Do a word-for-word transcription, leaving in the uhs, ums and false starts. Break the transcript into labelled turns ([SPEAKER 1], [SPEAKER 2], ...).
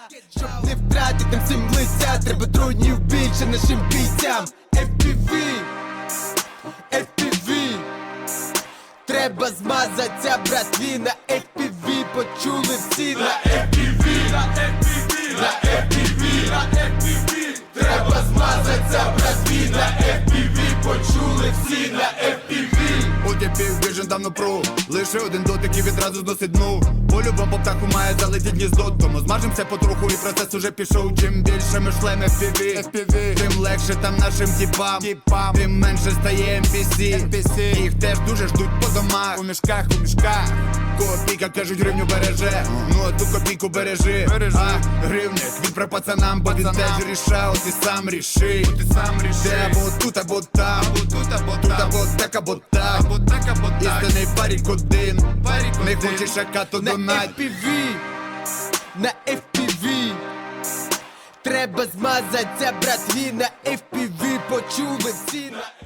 [SPEAKER 1] Щоб не втратити всім лиця, треба дронів більше нашим бійцям. еф пі ві, еф пі ві, треба змазаться, братві, на еф пі ві почули всі, на еф пі ві, на еф пі ві, на еф пі ві, на еф пі ві, треба змазаться, братві, на еф пі ві почули всі, на еф пі ві.
[SPEAKER 2] Утіпів біжен давно пру, лише один дотик і відразу зносить дну. По-любому по птаху має залетіть гніздо, тому змажемося потроху і процес уже пішов. Чим більше ми шлем еф пі ві, еф пі ві, тим легше там нашим тіпам, тіпам. Тим менше стає ем пі сі, ем пі сі. Їх теж дуже ждуть по домах, у мішках, у мішках. Копійка, кажуть, гривню береже, ну а ту копійку бережи, бережи. А гривник, він про пацанам, бо він теж рішав, ти сам ріши, ти сам ріши. Де або тут, або там, або тут, або тут, або так, або так, або так, або так. Істинний парік один, парік один. Не хочеш шака, то
[SPEAKER 1] На
[SPEAKER 2] донать.
[SPEAKER 1] еф пі ві, на еф пі ві, треба змазаться, братві, на еф пі ві почули всі.